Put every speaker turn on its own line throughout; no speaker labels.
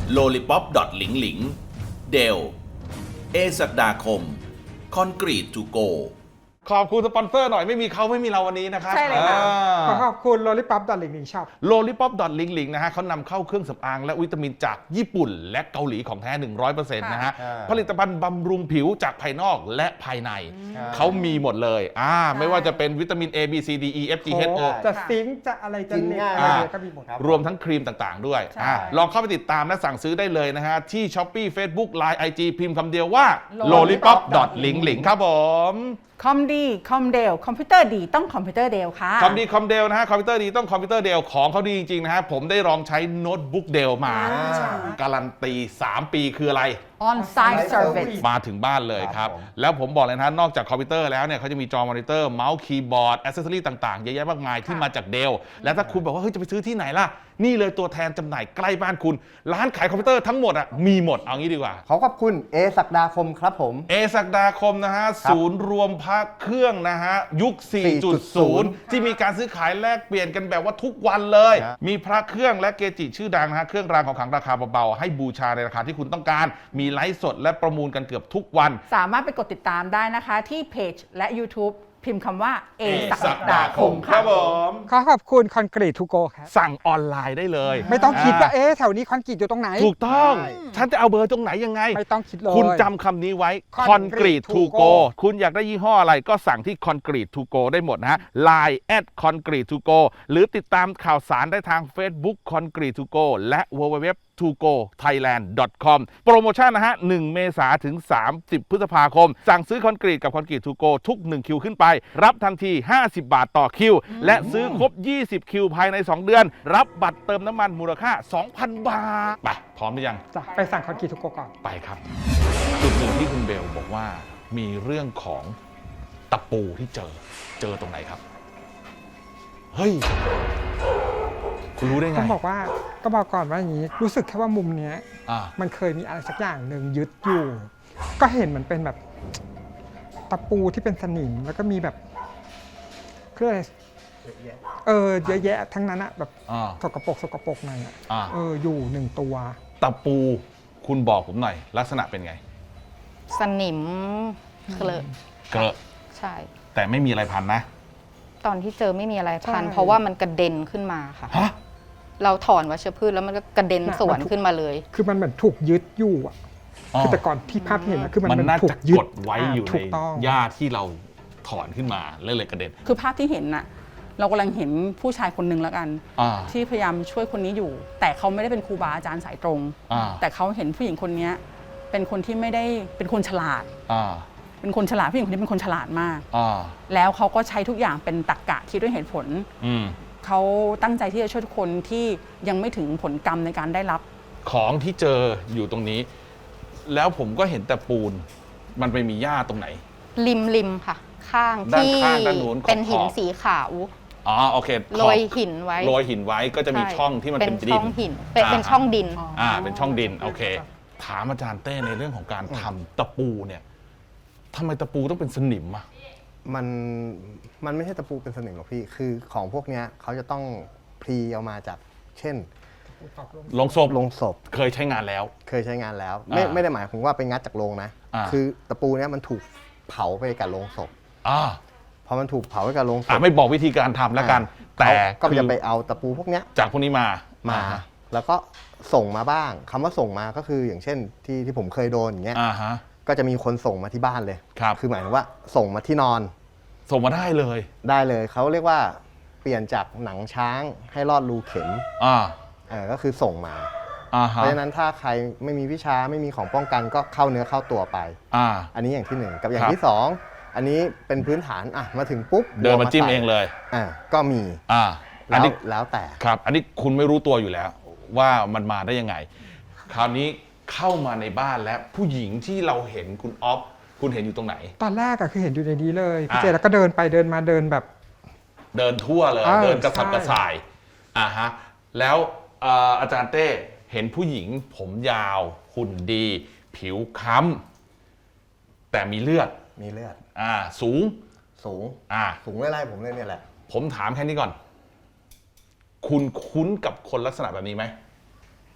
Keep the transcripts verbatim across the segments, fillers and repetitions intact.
lollipop หลิงหลิงเดลเอศักดาคมคอนกรีตทูโก
ขอบคุณสปอนเซอร์หน่อยไม่มีเขาไม่มีเราวันนี้นะครับ
ใช่เลยค่ะ
ขอขอบคุณ lollipop หลิงหลิงช็อป
lollipop หลิงหลิงนะฮะเขานำเข้าเครื่องสำอางและวิตามินจากญี่ปุ่นและเกาหลีของแท้ หนึ่งร้อยเปอร์เซ็นต์ นะฮะผลิตภัณฑ์บำรุงผิวจากภายนอกและภายในเขามีหมดเลยอ่าไม่ว่าจะเป็นวิตามิน A B C D E F G H O
จะซิงค์จะอะไรจะเน็ตอะไรก็มีหมดครับ
รวมทั้งครีมต่างๆด้วยอ่าลองเข้าไปติดตามและสั่งซื้อได้เลยนะฮะที่ Shopee Facebook Line ไอ จี พิมพ์คำเดียวว่า lollipop หลิงหลิงครับผม
คอมดีคอมเดลคอมพิวเตอร์ดีต้องคอมพิวเตอร์เดลค่ะ
คอมดีคอมเดลนะฮะคอมพิวเตอร์ดีต้องคอมพิวเตอร์เดลของเขาดีจริงๆนะฮะผมได้ลองใช้โน้ตบุ๊กเดลมาการันตีสามปีคืออะไร
On-site service
มาถึงบ้านเลยครับแล้วผมบอกเลยนะนอกจากคอมพิวเตอร์แล้วเนี่ยเขาจะมีจอมอนิเตอร์เมาส์คีย์บอร์ดแอคเซสซอรี่ต่างๆเยอะแยะมากมายที่มาจากเดลและถ้าคุณบอกว่าเฮ้ยจะไปซื้อที่ไหนล่ะนี่เลยตัวแทนจำหน่ายใกล้บ้านคุณร้านขายคอมพิวเตอร์ทั้งหมดอ่ะมีหมดเอางี้ดีกว่า
ขอขอบคุณเอศักดาคมครับผม
เอศักดาคมนะฮะศูนย์รวมพระเครื่องนะฮะยุค สี่จุดศูนย์ ที่มีการซื้อขายแลกเปลี่ยนกันแบบว่าทุกวันเลยมีพระเครื่องและเกจิชื่อดังนะฮะเครื่องรางของขลังราคาเบาๆให้บูชาในราคาที่คุณต้องการมีไลฟ์สดและประมูลกันเกือบทุกวัน
สามารถไปกดติดตามได้นะคะที่เพจและ YouTube พิมพ์คำว่าเอศักดาคม
ครับผม
ขอขอบคุณคอนกรีตทูโกครับ
สั่งออนไลน์ได้เลย
ไม่ต้องคิดว่าเอ๊ะแถวนี้คอนกรีตอยู่ตรงไหน
ถูกต้องฉันจะเอาเบอร์ตรงไหนยังไง
ไม่ต้องคิดเลย
คุณจำคำนี้ไว้คอนกรีตทูโกคุณอยากได้ยี่ห้ออะไรก็สั่งที่คอนกรีตทูโกได้หมดนะฮะ ไลน์ แอท คอนกรีตทูโก หรือติดตามข่าวสารได้ทาง Facebook คอนกรีตทูโกและ ดับเบิลยู ดับเบิลยู ดับเบิลยู ดอท ทูโกไทยแลนด์ ดอท คอม โปรโมชั่นนะฮะหนึ่งเมษายนถึงสามสิบพฤษภาคมสั่งซื้อคอนกรีตกับคอนกรีตทูโกทุกหนึ่งคิวขึ้นไปรับทันทีห้าสิบบาทต่อคิวและซื้อครบยี่สิบคิวภายในสองเดือนรับบัตรเติมน้ำมันมูลค่า สองพัน บาทไปพร้อมหรือยัง
จ้ะไปสั่งคอนกรีตทูโกก่อน
ไปครับจุดหนึ่งที่คุณเบลบอกว่ามีเรื่องของตะปูที่เจอเจอตรงไหนครับเฮ้ยคุณรู้ได้ไง
ต้องบอกว่าก็บอกก่อนว่าอย่างนี้รู้สึกแค่ว่ามุมเนี้ยมันเคยมีอะไรสักอย่างหนึ่งยึดอยู่ก็เห็นมันเป็นแบบตะปูที่เป็นสนิมแล้วก็มีแบบเครื่องอะไรเออเยอะแยะทั้งนั้นอะแบบสกปรกสกปรกหน่อยอะเอออยู่หนึ่งตัว
ตะปูคุณบอกผมหน่อยลักษณะเป็นไง
สนิมเคลอะ
เกลอะ
ใช่
แต่ไม่มีอะไรพันนะ
ตอนที่เจอไม่มีอะไรพันเพราะว่ามันกระเด็นขึ้นมาค่ะเราถอนวัชพืชแล้วมันก็กระเด็นสวนขึ้นมาเลย
คือมันเหมือนถูกยึดอยู่อ่ะคือแต่ก่อนที่ภาพเห็นนะคือมัน
น่าจะกดไว้อยู่ในหญ้าที่เราถอนขึ้นมาเลยเลยกระเด็น
คือภาพที่เห็นน่ะเรากำลังเห็นผู้ชายคนหนึ่งแล้วกันที่พยายามช่วยคนนี้อยู่แต่เขาไม่ได้เป็นครูบาอาจารย์สายตรงแต่เขาเห็นผู้หญิงคนนี้เป็นคนที่ไม่ได้เป็นคนฉลาดเป็นคนฉลาดผู้หญิงคนนี้เป็นคนฉลาดมากแล้วเขาก็ใช้ทุกอย่างเป็นตรรกะคิดด้วยเหตุผลเขาตั้งใจที่จะช่วยทุกคนที่ยังไม่ถึงผลกรรมในการได้รับ
ของที่เจออยู่ตรงนี้แล้วผมก็เห็นแต่ปูนมันไปมีหญ้าตรงไหน
ริมริมค่ะข้างที่เป็นหินสีขาว
อ๋อโอเค
โรยหินไว้
โรยหินไว้ก็จะมีช่องที่มันเป็นดิน
ช่องหินเป็นช่องดิน
อ่าเป็นช่องดินโอเคถามอาจารย์เต้ในเรื่องของการทำตะปูเนี่ยทำไมตะปูต้องเป็นสนิมอ่ะ
มันมันไม่ใช่ตะปูเป็นสนิมหรอกพี่คือของพวกนี้เขาจะต้องพรีเอามาจากเช่น
ลงศพ
ลงศพ
เคยใช้งานแล้ว
เคยใช้งานแล้วไม่ไม่ได้หมายถึงว่าไปงัดจากโรงนะคือตะปูเนี้ยมันถูกเผาไปกับโรงศพพอมันถูกเผาไปกับโรงศพ
ไม่บอกวิธีการทำแล้วกันแต่
ก็จะไปเอาตะปูพวกเนี้ย
จากพวกนี้มา
มาแล้วก็ส่งมาบ้างคำว่าส่งมาก็คืออย่างเช่นที่ที่ผมเคยโดนอย่างเงี้ยก็จะมีคนส่งมาที่บ้านเลยคือหมายถึงว่าส่งมาที่นอน
ส่งมาได้เลย
ได้เลยเขาเรียกว่าเปลี่ยนจากหนังช้างให้รอดรูเข็มอ่าเออก็คือส่งมาเพราะฉะนั้นถ้าใครไม่มีวิชาไม่มีของป้องกันก็เข้าเนื้อเข้าตัวไปอ่าอันนี้อย่างที่หนึ่งกับอย่างที่สองอันนี้เป็นพื้นฐานอ่ะมาถึงปุ๊บ
เดินมาจิ้มเองเลย
อ่าก็มี
อ่า
แล้วแล้วแต่
ครับอันนี้คุณไม่รู้ตัวอยู่แล้วว่ามันมาได้ยังไงคราวนี้เข้ามาในบ้านแล้วผู้หญิงที่เราเห็นคุณอ๊อฟคุณเห็นอยู่ตรงไหน
ตอนแรกอะคือเห็นอยู่ในนี้เลยพี่เจแล้วก็เดินไปเดินมาเดินแบบ
เดินทั่วเลยเดินกระสับกระส่ายอ่าฮะแล้วอาจารย์เต้เห็นผู้หญิงผมยาวหุ่นดีผิวค้ำแต่มีเลือด
มีเลือด
อ่าสูง
สูงอ่าสูงไล่ๆผมเลยเนี่ยแหละ
ผมถามแค่นี้ก่อนคุณคุ้นกับคนลักษณะแบบนี้ไหม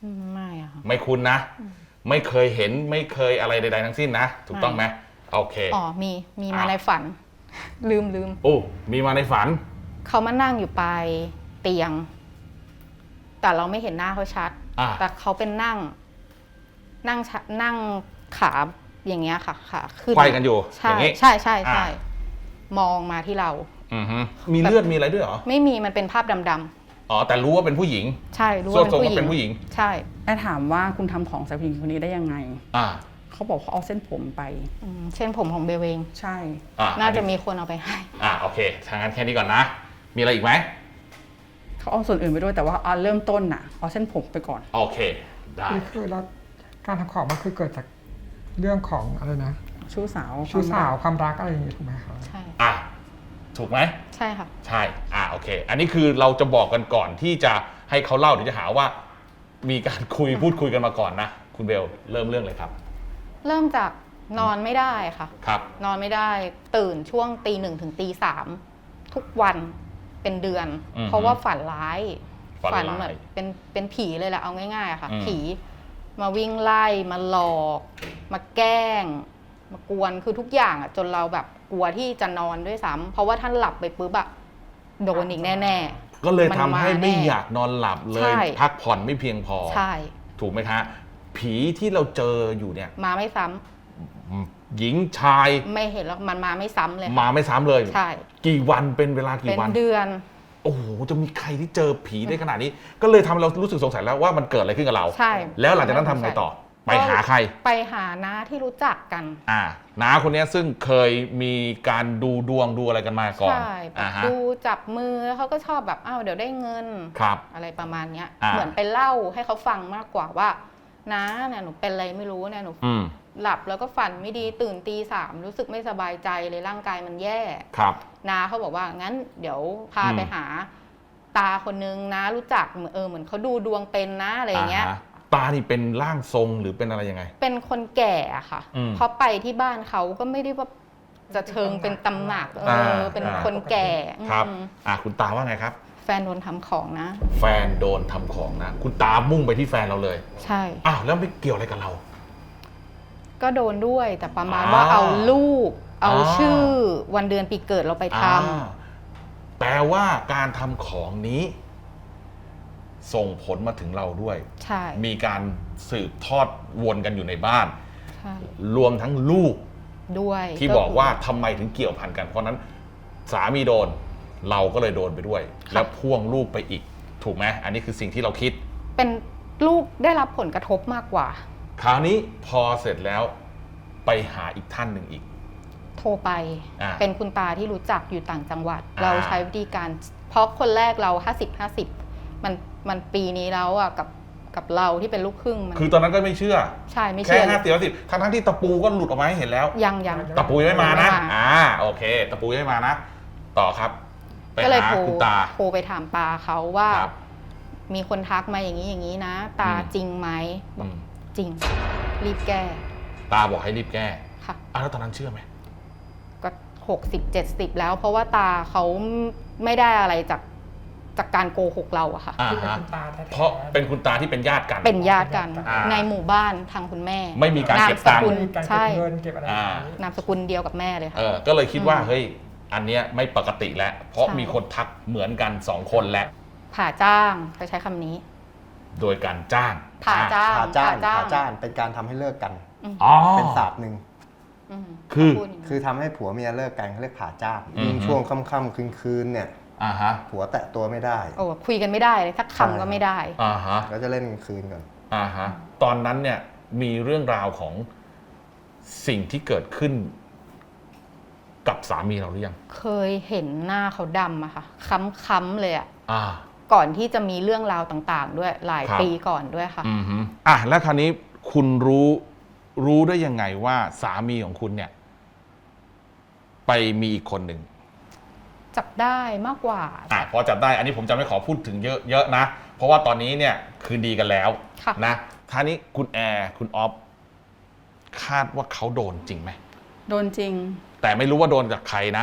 อืมไม่อะค่ะ
ไม่คุ้นนะ ไม่เคยเห็นไม่เคยอะไรใดๆทั้งสิ้นนะถูกต้องไหมโอเค
อ๋อมีมีมา
อ่ะ
ในฝัน ลืมลืม
โอ้มีมาในฝัน
เขามานั่งอยู่ปลายเตียง แต่เราไม่เห็นหน้าเขาชัด
อ่า
แต่เขาเป็นนั่ง นั่งชะนั่งขาอย่างเงี้ยค่ะขาขึ้น
ไขว้กันอยู่
ใช่
อย่างงี้
ใช่ใช่ใช่
อ่า
มองมาที่เรา
อือฮึมีเลือดมีอะไรด้วยเหรอ
ไม่มีมันเป็นภาพดำ
อ๋อแต่รู้ว่าเป็นผู้หญิง
ๆใช่รู้
ส่ว
ว่าน เป็น
ทรง
ผู้หญิ
ก็เป็น
ง
ผู้หญิง
ใช่
แม่ถามว่าคุณทำของใส่ผู้หญิงคนนี้ได้ยังไง
อ่า
เขาบอกเขาเอาเส้นผมไป
อืมเช่นผมของเบลเอง
ใช่
อ่า
น่าจะมีคนเอาไปให้
อ่าโอเคทางนั้นแค่นี้ก่อนนะ มีอะไรอีกไหม
เขาเอาส่วนอื่นไปด้วยแต่ว่าเอาเริ่มต้นน่ะเอาเส้นผมไปก่อน
โอเคได้
นี่คือแล้วการทำของมันคือเกิดจากเรื่องของอะไรนะ
ชู้สาว
ชู้สาว
ความรัก
ความรักอะไรอย่างงี้ถูกไหมครับ
ใช่
อ่ะถูกไหม
ใช่ค่ะ
ใช่ อ่าโอเค อันนี้คือเราจะบอกกันก่อนที่จะให้เขาเล่าเดี๋ยวจะหาว่า มีการคุยพูดคุยกันมาก่อนนะ คุณเบลเริ่มเรื่องเลยครับ
เริ่มจากนอนไม่ได้ค่ะ
ครับ
นอนไม่ได้ตื่นช่วงตีหนึ่งถึงตีสามทุกวันเป็นเดือน
อือฮึ
เพราะว่าฝันร้าย
ฝันร้าย
เหมือนเป็นเป็นผีเลยแหละเอาง่ายๆอะค่ะ
อืม
ผีมาวิ่งไล่มาหลอก มาแกล้ง มากวนคือทุกอย่างอะจนเราแบบกลัวที่จะนอนด้วยซ้ำเพราะว่าท่านหลับไปปุ๊บอะโดนอีกแน่ๆ
ก็เลยทำให้
น
ไม่
แน่
อยากนอนหลับเล
ใช่
ย พักผ่อนไม่เพียงพอ
ใช่
ถูกไหมคะผีที่เราเจออยู่เนี่ย
มาไม่ซ้ำ
หญิงชาย
ไม่เห็นแล้วมันมาไม่ซ้ำเลยค่ะ
มาไม่ซ้ำเลย
ใช่
กี่วันเป็นเวลา
เป็
กี่
น
วัน
เดือน
โอ้โหจะมีใครที่เจอผีได้ขนาดนี้ ก็เลยทำให้เรารู้สึกสงสัยแล้วว่ามันเกิดอะไรขึ้นกับเรา
ใช่
แล้วหลังจากนั้นทำไงต่อ ไปหาใคร
ไปหาน้าที่รู้จักกัน
อ่าน้าคนเนี้ยซึ่งเคยมีการดูดวงดูอะไรกันมาก่อน
ใช่แบบ
อ่าฮะ
ดูจับมือแล้วเขาก็ชอบแบบอ้าวเดี๋ยวได้เงิน
ครับ
อะไรประมาณเนี้ย
อ่า
เหมือนไปเล่าให้เขาฟังมากกว่าว่าน้าเนี่ยหนูเป็นอะไรไม่รู้เนี่ยหนู
อืม
หลับแล้วก็ฝันไม่ดีตื่นตีสามรู้สึกไม่สบายใจเลยร่างกายมันแย่
ครับ
น้าเขาบอกว่างั้นเดี๋ยวพา
อืม
ไปหา ตาคนนึงนะรู้จักเหมือนเออเหมือนเขาดูดวงเป็นนะอะไรอย่างเงี้ย
าฮะตานี่เป็นร่างทรงหรือเป็นอะไรยังไง
เป็นคนแก่อะค่ะ
อืม
เพราะไปที่บ้านเขาก็ไม่ได้ว่าจะเชิงเป็นตำหนักเออเป็น
อ่า
คนแก่
ครับ
อืม
อ่าคุณตาว่าไงครับ
แฟนโดนทำของนะ
แฟนโดนทำของนะ คุณตามุ่งไปที่แฟนเราเลย
ใช่
อ้าวแล้วไม่เกี่ยวอะไรกับเรา
ก็โดนด้วยแต่ประมาณ
อ่า
ว่าเอารูป เอา
อ่า
ชื่อวันเดือนปีเกิดเราไปท
อ่าแปลว่าการทำของนี้ ส่งผลมาถึงเราด้วย
ำใช่
มีการสืบทอดวนกันอยู่ในบ้าน
ใช่
รวมทั้งลูก
ด้วย
ที่บอกว่าทำไมถึงเกี่ยวพันกัน เพราะนั้นสามีโดน เราก็เลยโดนไปด้วย แล้วพ่วงลูกไปอีก ถูกไหมอันนี้คือสิ่งที่เราคิด
เป็นลูกได้รับผลกระทบมากกว่า
คราวนี้พอเสร็จแล้วไปหาอีกท่านหนึ่งอีก
โทรไป
อ่า
เป็นคุณตาที่รู้จักอยู่ต่างจังหวัด
อ่า
เราใช้วิธีการ เพราะคนแรกเราห้าสิบ ห้าสิบมันมันปีนี้แล้วอ่ะกับกับเราที่เป็นลูกครึ่งมัน
คือตอนนั้นก็ไม่เชื่อ
ใช่ไม่
แค่
เชื่อ
ห้าสิบสิบทั้งทั้งๆที่ตะปูก็หลุดออกมาให้เห็นแล้ว
ยังยัง
ตะปูยังไม่มานะ
ยังไม่มา
อ่าโอเค ตะปูยังไม่มานะ ต่อครับ ไป
ก็เลย
หา
โทร
คุณตา
โทรไปถามตาเขาว่า
ครับ
มีคนทักมาอย่างนี้อย่างนี้นะ ตา
อืม
จริงไหมบ
อื
อก
ม
จริง รีบแก้
ตาบอกให้รีบแก้
ค่ะ
อ่ะแล้วตอนนั้นเชื่อไหม
ก็หกสิบเจ็ดสิบแล้ว เพราะว่าตาเขาไม่ได้อะไรจากจากการโกหกเราอะค่ะ
อ่า
ที่เป็น
ฮะ
คุณตาแท้ๆ
เพราะเป็นคุณตาที่เป็นญาติกัน
เป็นญาติกัน
อ่า
ในหมู่บ้านทางคุณแม่
ไม่มีการเก็บตังค์
นามสกุล
มีการเก็
ใช่
บเงินเก็บอะไรอย่างนี้
นามสกุลเดียวกับแม่เลย
เอ
ค่ะ
อก็เลยคิดว่า
อืม
เฮ้ยอันเนี้ยไม่ปกติแล้ว เพราะ
ใช่
มีคนทักเหมือนกันสองคนแล้ว
ผ่าจ้างเขาใช้คำนี้
โดยการจ้าง
ผ่าจ้าง
ผ่าจ้าน
ผ่า
ผ่าจ้านเป็นการทำให้เลิกกัน
อ๋อ
เป็นศาสตร์หนึ่ง
อืม
คือ
พูดย่างนี้
คือทำให้ผัวเมียเลิกกันเขาเรียกผ่าจ้าน
อืม
ยิ่งช่วงค่ำๆคืนๆเนี่ย
อ่าฮะ
ผัวแตะตัวไม่ได้
โอ้คุยกันไม่ได้เลยสัก
ใช่
คำก็ไม่ได้
อ่าฮะ
ก็จะเล่นกลางคืนก่อน
อ่าฮะตอนนั้นเนี่ยมีเรื่องราวของสิ่งที่เกิดขึ้น กับสามีเราหรือยัง
เคยเห็นหน้าเขาดำอะค่ะ ค้ำๆเลยอะ
อ่า
ก่อนที่จะมีเรื่องราวต่างๆ ด้วยหลาย
ครับ
ปีก่อนด้วยค่ะ
อืมฮึอ่ะแล้วคราวนี้คุณรู้รู้ได้ยังไงว่าสามีของคุณเนี่ย ไปมีอีกคนหนึ่ง
จับได้มากกว่า
อ่ะพอจับได้ อันนี้ผมจะไม่ขอพูดถึงเยอะเยอะนะ เพราะว่าตอนนี้เนี่ยคืนดีกันแล้ว
ค่ะ
นะท่านี้คุณแอร์คุณออฟคาดว่าเขาโดนจริงไหม
โดนจริง
แต่ไม่รู้ว่าโดนจากใครนะ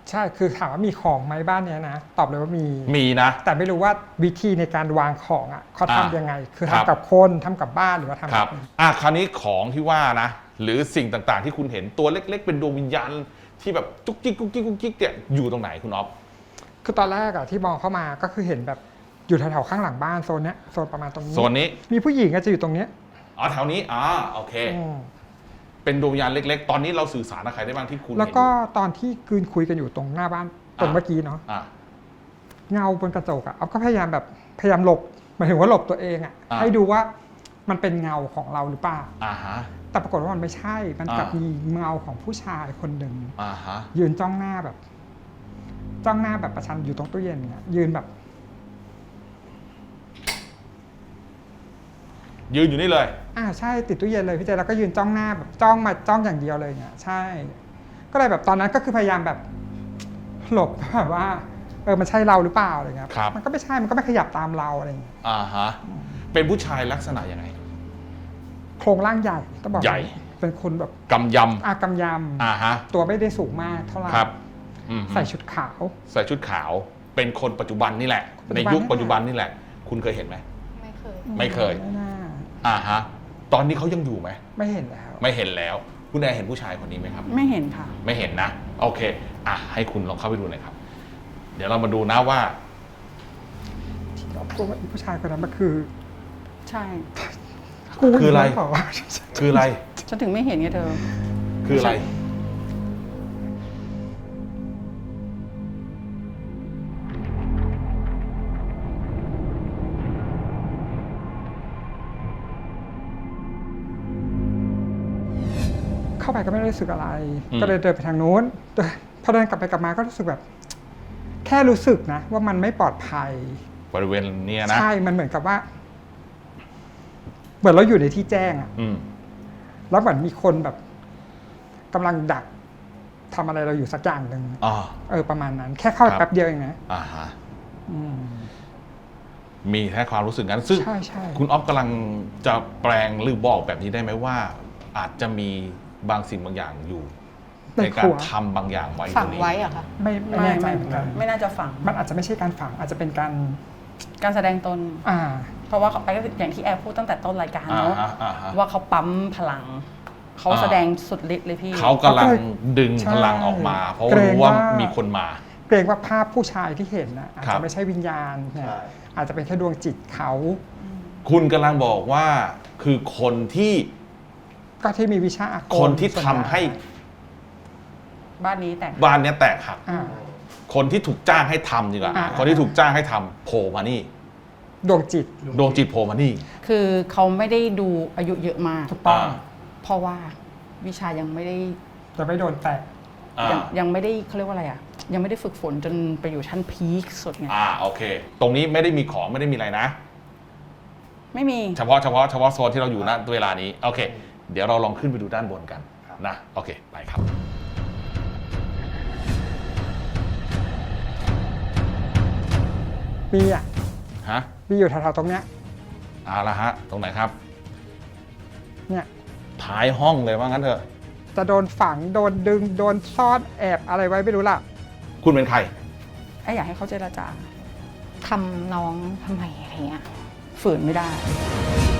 ใช่คือถามว่ามีของไหมบ้านเนี้ยนะตอบเลยว่ามี
มีนะ
แต่ไม่รู้ว่าวิธีในการวางของอ่ะเขา
อ่า
ทำยังไง คือ
ครับ
ทำกับคนทำกับบ้านหรือว่าทำ
ครั
กั
บบ อ่ะคราวนี้ของที่ว่านะ หรือสิ่งต่างๆ ที่คุณเห็นตัวเล็ก ๆ เป็นดวงวิญญาณที่แบบจุกจิกกุ๊กกิ๊กกุ๊กกิ๊กเนี่ยอยู่ตรงไหนคุณอ๊อฟ
คือตอนแรกอะที่มองเข้ามาก็คือเห็นแบบอยู่แถวๆข้างหลังบ้านโซนเนี้ยโซนประมาณตรงนี้
โซนนี้
มีผู้หญิงก็จะอยู่ตรงเนี้ย
อ๋อแถวนี้อ๋อโอเค
อืม
เป็นดวงวิญญาณเล็ก ๆ ตอนนี้เราสื่อสารกับใครได้บ้างที่คุณ
แล้วก็
เห็น
ตอนที่คืนคุยกันอยู่ตรงหน้าบ้านตรงเมื่อกี้เนาะ
อ่ะ
เงาบนกระจกอะอ๊อฟก็พยายามแบบพยายามหลบหมายถึงว่าหลบตัวเองอะ
อ่า
ให้ดูว่ามันเป็นเงาของเราหรือเปล่า
อ่าฮะ
แต่ปรากฏว่ามันไม่ใช่มันกลับ
อ่ามี
มีเงาของผู้ชายคนหนึ่ง
อ่าฮะ
ยืนจ้องหน้าแบบ จ้องหน้าแบบประชันอยู่ตรงตู้เย็นเนี่ยยืนแบบ
ยืนอยู่นี่เลย
อ่าใช่ติดตู้เย็นเลยพี่เจแล้วก็ยืนจ้องหน้าแบบจ้องมาจ้องอย่างเดียวเลยเนี่ยใช่ ก็เลยแบบตอนนั้นก็คือพยายามแบบหลบแบบว่าเออมันใช่เราหรือเปล่าอะไรเงี้ย
ครับ
มันก็ไม่ใช่มันก็ไม่ขยับตามเราอะไรเงี้ย
อ่าฮะเป็นผู้ชายลักษณะยังไง
โครงร่างใหญ่ต้องบอก
ใหญ่
เป็นคนแบบ
กำย
อากำย
ำอ่าฮะ
ำตัวไม่ได้สูงมากเท่าไหร่
ครับอืม
ใส่ชุดขาว
ใส่ชุดขาว เป็นคนปัจจุบันนี่แหละ
ปัจ
ใน
จุบัน
ยุค
นี่แหละ
ปัจจุบันนี่แหละ คุณเคยเห็นไหม
ไม่เคย
ไม่เคย
ไม่น่า
อ่าฮะตอนนี้เขายังอยู่ไหม
ไม่เห็นแล้ว
ไม่เห็นแล้ว คุณแอร์เห็นผู้ชายคนนี้ไหมครับ
ไม่เห็นค่ะ
ไม่เห็นนะ โอเค อ่ะให้คุณลองเข้าไปดูหน่อยครับ เดี๋ยวเรามาดูนะว่า
ตัวผู้ชายคนนั้นมันคือ
ใช่
กู
คืออะไร
หเปล่าวะ
คืออะไร
ฉันถึงไม่เห็นไงเธอ
คืออะไร
เข้าไปก็ไม่ได้รู้สึกอะไร
อืม
ก็เลยเดินไปทางนู้นแต่พอเดินกลับไปกลับมาก็รู้สึกแบบ แค่รู้สึกนะ ว่ามันไม่ปลอดภัย
บริเวณเนี้ยนะ
ใช่ มันเหมือนกับว่า เหมือนเราอยู่ในที่แจ้งอะ
อืม
แล้วเหมือนมีคนแบบกำลังดักทำอะไรเราอยู่สักอย่างหนึ่ง
อ่า
เออประมาณนั้น แค่เข้าไป
ครับ
แป๊บเดียวเองนะ
อ่าฮะ
อืม
มีแค่ความรู้สึกนั้น ซึ่ง
ใช่ใช่
คุณอ๊อฟกำลังจะแปลงหรือบอกแบบนี้ได้ไหมว่า อาจจะมีบางสิ่งบางอย่างอยู่ ในการทำบางอย่างไว้
ฝั
ตรง งนี้
ไว้เหรอะคะ
ไม่ไม่
ไม่
แน่ใจ
ไม่
เหมือนกัน
ไม่น่าจะฝัง
มันอาจจะไม่ใช่การฝัง อาจจะเป็นการ
การแสดงตน
อ่า
เพราะว่าเขาไปก็อย่างที่แอร์พูดตั้งแต่ต้นรายการ
อ่า
เนาะ
ฮะอ่าฮะ
ว่าเขาปั๊มพลัง เขา
อ่า
แสดงสุดฤทธิ์เลยพี่
เขากำลังดึง
ใช่
พลังออกมา เพราะ
เกรง
รู้ว่า
ว่ามี
มีคนมา
เกรงว่าภาพผู้ชายที่เห็นนะอาจ
ครั
จะ
บ
ไม่ใช่วิญญาณเนี่ย
ใช่
อาจจะเป็นแค่ดวงจิตเขา
คุณกำลังบอกว่าคือคนที่
ก็ที่มีวิชาอาคม
คนที่
ส่วน
ทำ
ญ่
ให้
บ้านนี้แต่ง
บ้านเนี้ยแตกหัก
อ่า
คนที่ถูกจ้างให้ทำดีกว่า
อ่า
คนที่ถูกจ้างให้ทำโผล่มานี่
ดวงจิต
ดวงจิตโผล่มานี่
คือเขาไม่ได้ดูอายุเยอะมาก
ถูกต้อง
อ่า
เพราะว่าวิชายังไม่ได้
จะไม่โดนแตะ
อ่า
ยังยังไม่ได้เขาเรียกว่าอะไรอ่ะ ยังไม่ได้ฝึกฝนจนไปอยู่ชั้นพีคสุดไง
อ่าโอเค ตรงนี้ไม่ได้มีของไม่ได้มีอะไรนะ
ไม่มี
เฉพาะเฉพาะเฉพาะโซนที่เราอยู่ณเวลานี้โอเค เดี๋ยวเราลองขึ้นไปดูด้านบนกันนะโอเคไปครับ
มีอ่ะ
ฮะ
มีอยู่แถวๆตรงเนี้ย
เอาละฮะตรงไหนครับ
เนี่ย
ท้ายห้องเลยว่างั้นเถอะ
จะโดนฝังโดนดึงโดนซ่อนแอบอะไรไว้ไม่รู้ล่ะ
คุณเป็นใคร
ไอ้อยากให้เขาเจรจา
ทำน้องทำไมอะไรเงี้ย
ฝืนไม่ได้